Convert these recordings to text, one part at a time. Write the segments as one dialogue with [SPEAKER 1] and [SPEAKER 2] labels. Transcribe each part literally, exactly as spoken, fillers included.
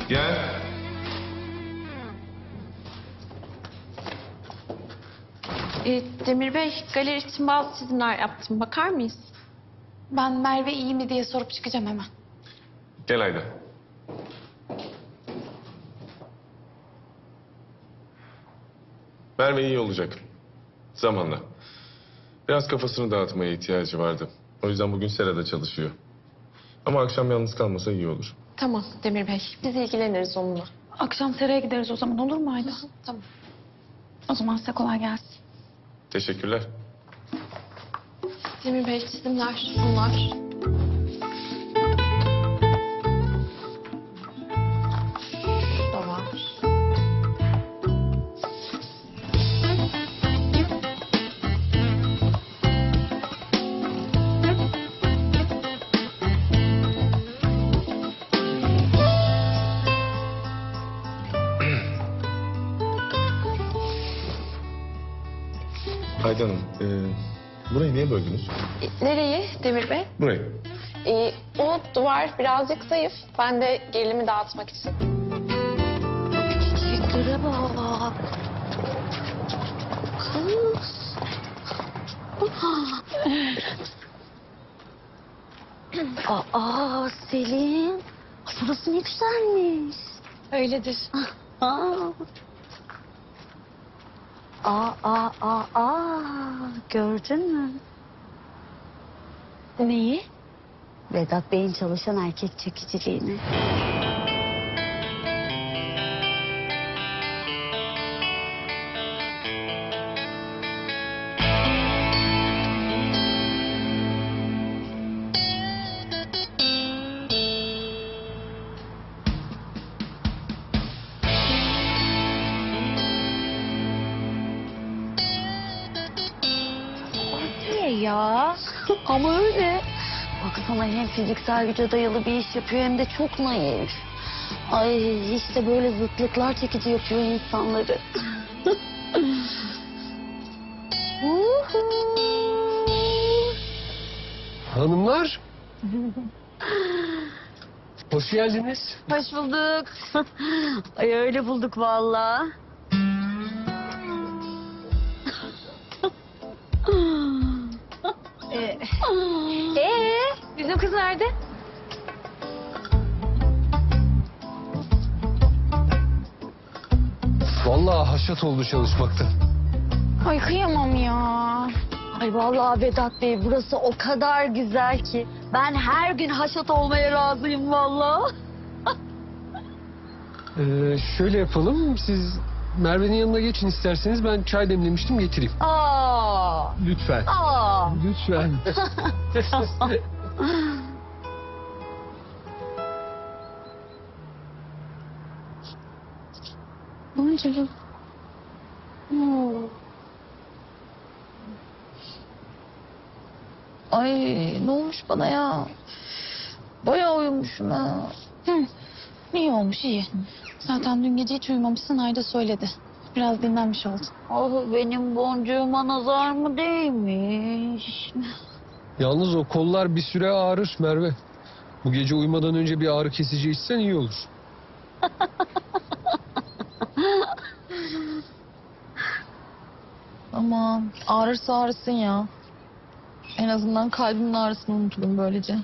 [SPEAKER 1] Gel.
[SPEAKER 2] Ee, Demir Bey, galeri için bazı çizimler yaptım. Bakar mıyız?
[SPEAKER 3] Ben Merve iyi mi diye sorup çıkacağım hemen.
[SPEAKER 1] Gel Ayda. Merve iyi olacak. Zamanla. Biraz kafasını dağıtmaya ihtiyacı vardı. O yüzden bugün serada çalışıyor. Ama akşam yalnız kalmasa iyi olur.
[SPEAKER 2] Tamam Demir Bey, biz ilgileniriz onunla.
[SPEAKER 3] Akşam seraya gideriz o zaman, olur mu Ayda?
[SPEAKER 2] Tamam.
[SPEAKER 3] O zaman size kolay gelsin.
[SPEAKER 1] Teşekkürler.
[SPEAKER 2] Demir Bey, çizimler bunlar. Da var.
[SPEAKER 1] Ayda Hanım, e, burayı niye böldünüz?
[SPEAKER 2] E, Nereyi Demir Bey?
[SPEAKER 1] Burayı.
[SPEAKER 2] Ee, o duvar birazcık zayıf. Ben de gerilimi dağıtmak için.
[SPEAKER 4] Çiçeklere bak. Kız. Aa Selin. Burası ne güzelmiş.
[SPEAKER 3] Öyledir.
[SPEAKER 4] Aa. Aa, aa, aa, aa. Gördün mü?
[SPEAKER 3] Neyi?
[SPEAKER 4] Vedat Bey'in çalışan erkek çekiciliğini. Niye ya? Ama öyle. Baksana hem fiziksel güce dayalı bir iş yapıyor hem de çok naif. Ay işte böyle zıtlıklar çekici yapıyor insanları.
[SPEAKER 5] Hanımlar. Hoş geldiniz.
[SPEAKER 4] Hoş bulduk. Ay öyle bulduk vallahi.
[SPEAKER 3] Ee, ee, bizim kız nerede?
[SPEAKER 5] Vallahi haşat oldu çalışmaktan.
[SPEAKER 3] Ay kıyamam ya.
[SPEAKER 4] Ay vallahi Vedat Bey burası o kadar güzel ki ben her gün haşat olmaya razıyım vallahi.
[SPEAKER 5] Ee, şöyle yapalım. Siz Merve'nin yanına geçin isterseniz. Ben çay demlemiştim, getireyim.
[SPEAKER 4] Aa,
[SPEAKER 5] Lütfen.
[SPEAKER 4] aa.
[SPEAKER 5] Lütfen.
[SPEAKER 3] Boncuğum.
[SPEAKER 4] Hmm.
[SPEAKER 3] Ay ne olmuş bana ya? Bayağı uyumuşum ha. Hı. İyi olmuş iyi. Zaten dün gece hiç uyumamışsın, Ayda söyledi. Biraz dinlenmiş oldun.
[SPEAKER 4] Ah benim boncuğuma nazar mı değmiş?
[SPEAKER 5] Yalnız o kollar bir süre ağrır Merve. Bu gece uyumadan önce bir ağrı kesici içsen iyi olur.
[SPEAKER 3] Aman ağrırsa ağrısın ya. En azından kalbimin ağrısını unuturum böylece.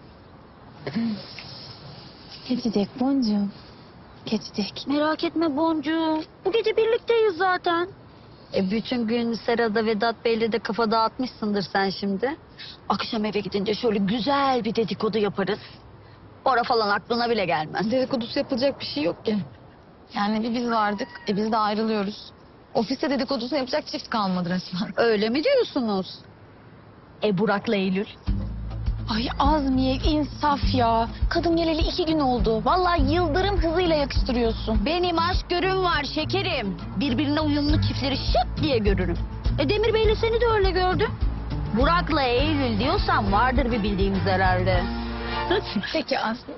[SPEAKER 3] Geçecek boncuğum. Geçecek.
[SPEAKER 4] Merak etme boncuğum. Bu gece birlikteyiz zaten. E bütün gün serada Vedat Bey'le de kafa dağıtmışsındır sen şimdi. Akşam eve gidince şöyle güzel bir dedikodu yaparız. Ora falan aklına bile gelmez.
[SPEAKER 3] Dedikodusu yapılacak bir şey yok ki. Yani bir biz vardık, e biz de ayrılıyoruz. Ofiste dedikodusunu yapacak çift kalmadı resmen.
[SPEAKER 4] Öyle mi diyorsunuz? E Burak'la Eylül.
[SPEAKER 3] Ay Azmiye insaf ya. Kadın geleli iki gün oldu. Vallahi yıldırım hızıyla yakıştırıyorsun.
[SPEAKER 4] Benim aşk görüm var şekerim. Birbirine uyumlu çiftleri şık diye görürüm. E Demir Bey'le seni de öyle gördüm. Burak'la Eylül diyorsan vardır bir bildiğimiz herhalde.
[SPEAKER 3] Peki Aslı.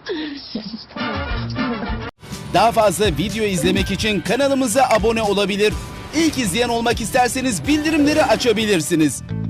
[SPEAKER 6] Daha fazla video izlemek için kanalımıza abone olabilir. İlk izleyen olmak isterseniz bildirimleri açabilirsiniz.